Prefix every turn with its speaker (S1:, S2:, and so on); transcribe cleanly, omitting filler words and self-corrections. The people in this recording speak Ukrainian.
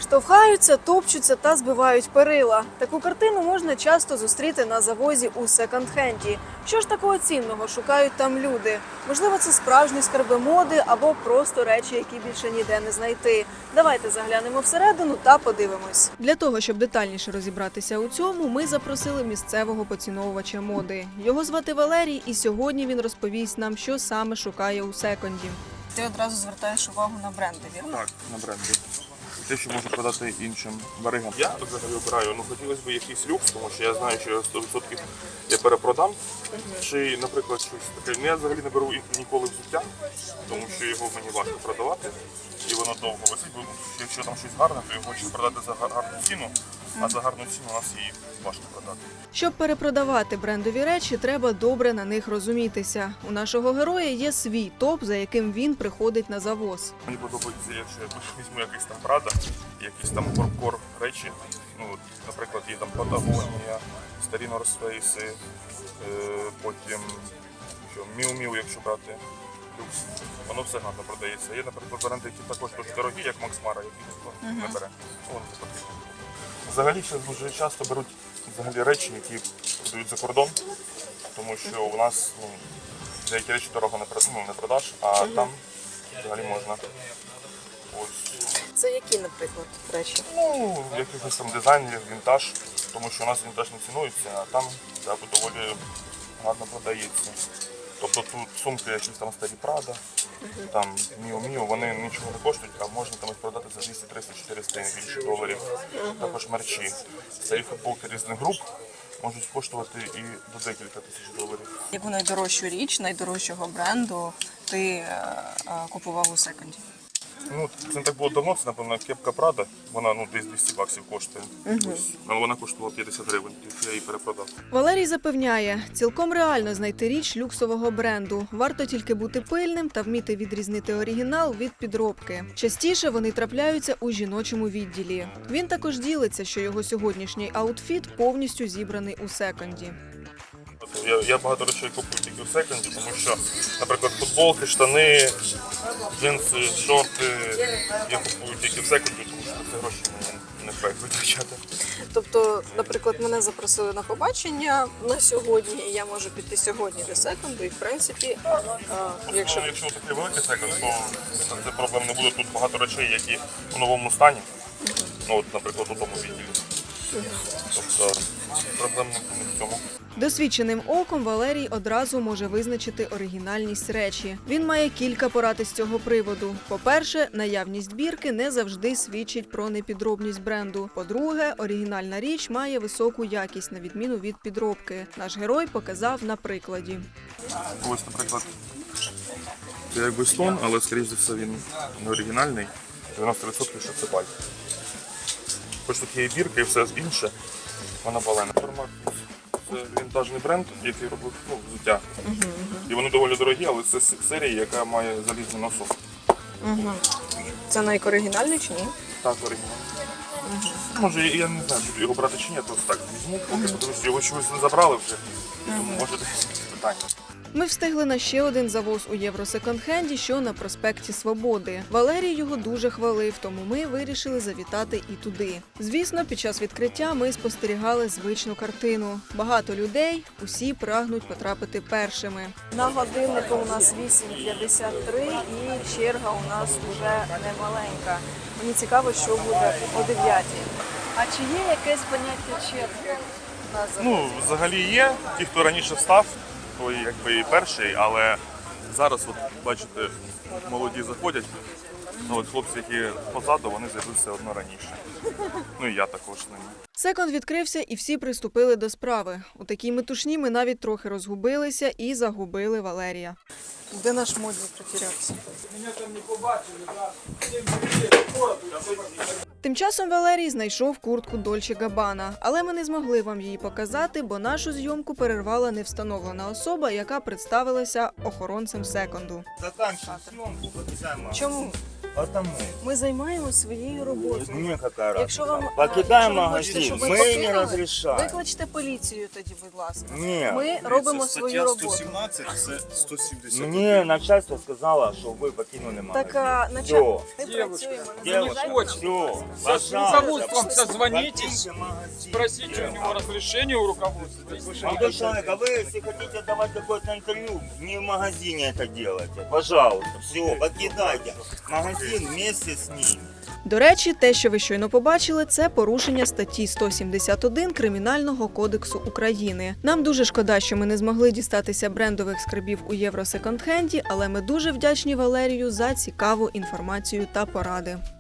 S1: Штовхаються, топчуться та збивають перила. Таку картину можна часто зустріти на завозі у секонд-хенді. Що ж такого цінного шукають там люди? Можливо, це справжні скарби моди або просто речі, які більше ніде не знайти. Давайте заглянемо всередину та подивимось. Для того, щоб детальніше розібратися у цьому, ми запросили місцевого поціновувача моди. Його звати Валерій, і сьогодні він розповість нам, що саме шукає у секонді. Ти одразу звертаєш увагу на бренди, вірно?
S2: Так, на бренди. Те, що можу продати іншим баригам. Я взагалі обираю, хотілося б якийсь люкс, тому що я знаю, що 100% я перепродам. Чи, наприклад, щось таке. Я взагалі не беру ніколи взуття, тому що його мені важко продавати. І воно довго висить, бо якщо там щось гарне, то його хочеться продати за гарну ціну, а за гарну ціну у нас її важко продати.
S1: Щоб перепродавати брендові речі, треба добре на них розумітися. У нашого героя є свій топ, за яким він приходить на завоз.
S2: Мені подобається, якщо я візьму якийсь там Prada, якісь там корпкор речі. Наприклад, є там Патагонія, старі North Face, потім Miu Miu, якщо брати. Люкс. Воно все гарно продається. Є, наприклад, бренди, які також дуже дорогі, як Max Mara, які ніхто не бере. Воно не потрібно. Взагалі, ще дуже часто беруть речі, які продають за кордон, тому що у нас деякі речі дорого не продаш, а там взагалі можна. Ось.
S1: Це які, наприклад, речі?
S2: Якихось там дизайнерів, вінтаж, тому що у нас вінтаж не цінується, а там доволі гарно продається. Тобто тут сумки якісь там старі Prada, там Miu Miu, вони нічого не коштують, а можна там їх продати за 200, 300, 400 і більше доларів. Також мерчі. Старі футболки різних груп можуть коштувати і до декілька тисяч доларів.
S1: Яку найдорожчу річ, найдорожчого бренду ти купував у секонді?
S2: Це не так було давно, це, напевно, кепка Prada, вона десь 200 баксів коштує. Але вона коштувала 50 гривень, я її перепродав.
S1: Валерій запевняє, цілком реально знайти річ люксового бренду. Варто тільки бути пильним та вміти відрізнити оригінал від підробки. Частіше вони трапляються у жіночому відділі. Він також ділиться, що його сьогоднішній аутфіт повністю зібраний у секонді.
S2: Я багато речей купую тільки в секонді, тому що, наприклад, футболки, штани, джинси, шорти я купую тільки в секонді, тому що це гроші мені не фейк витрачати.
S1: Тобто, наприклад, мене запросили на побачення на сьогодні, і я можу піти сьогодні до секонду, і в принципі,
S2: якщо такий великий секонд, то це проблем не буде. Тут багато речей, які у новому стані, наприклад, у тому відділі. Тобто проблем не в цьому.
S1: Досвідченим оком Валерій одразу може визначити оригінальність речі. Він має кілька порад із цього приводу. По-перше, наявність бірки не завжди свідчить про непідробність бренду. По-друге, оригінальна річ має високу якість, на відміну від підробки. Наш герой показав на прикладі.
S2: Ось, наприклад, це якби стон, але, скоріш за все, він не оригінальний. 90% що це байк. Хоч тут є і бірка, і все інше, вона балена. Це вінтажний бренд, який робив взуття. І вони доволі дорогі, але це серія, яка має залізний носок.
S1: Це найоригінальний чи ні?
S2: Так, оригінальний. Може, я не знаю, чи його брати чи ні, то так візьму, поки подивлюсь, його чогось не забрали вже, тому може десь питання.
S1: Ми встигли на ще один завоз у Євросеконд-хенді, що на проспекті Свободи. Валерій його дуже хвалив, тому ми вирішили завітати і туди. Звісно, під час відкриття ми спостерігали звичну картину. Багато людей, усі прагнуть потрапити першими. На годиннику у нас 8:53 і черга у нас вже немаленька. Мені цікаво, що буде о 9:00. А чи є якесь поняття черги?
S2: Взагалі є. Ті, хто раніше встав, той якби і перший, але зараз, бачите, молоді заходять, хлопці, які позаду, вони з'явилися одно раніше. І я також з ними.
S1: Секонд відкрився і всі приступили до справи. У такій метушні ми навіть трохи розгубилися і загубили Валерія. Де наш модник потерявся? Тим часом Валерій знайшов куртку Дольче Габбана, але ми не змогли вам її показати, бо нашу зйомку перервала невстановлена особа, яка представилася охоронцем секонду.
S2: Заканчуємо зйомку, обіцяємо.
S1: Чому?
S3: Потому.
S1: Ми займаємося своєю роботою.
S3: Мне какая
S1: Якщо вам
S3: разница. Покидаем
S1: якщо ви хочете,
S3: магазин.
S1: щоб ви
S3: Мы
S1: покинули,
S3: не разрешаем.
S1: Викличте поліцію тоді, будь ласка.
S3: Ні.
S1: Ми робимо свою роботу.
S4: 117 – це 170.
S3: Мне начальство сказало, что вы покинули магазин.
S1: Так, начальник,
S3: Все.
S1: ми працюємо, не
S3: Девушка,
S1: заважайте.
S3: все,
S5: С
S3: пожалуйста.
S5: руководством созвонитесь,
S3: Покиньте магазин.
S5: спросите у него разрешение у руководства.
S3: Молодой человек, а вы, если хотите давать какое-то интервью, не в магазине это делайте. Пожалуйста, все, покидайте магазин вместе с ними.
S1: До речі, те, що ви щойно побачили, це порушення статті 171 Кримінального кодексу України. Нам дуже шкода, що ми не змогли дістатися брендових скарбів у Євро Секонд-хенді, але ми дуже вдячні Валерію за цікаву інформацію та поради.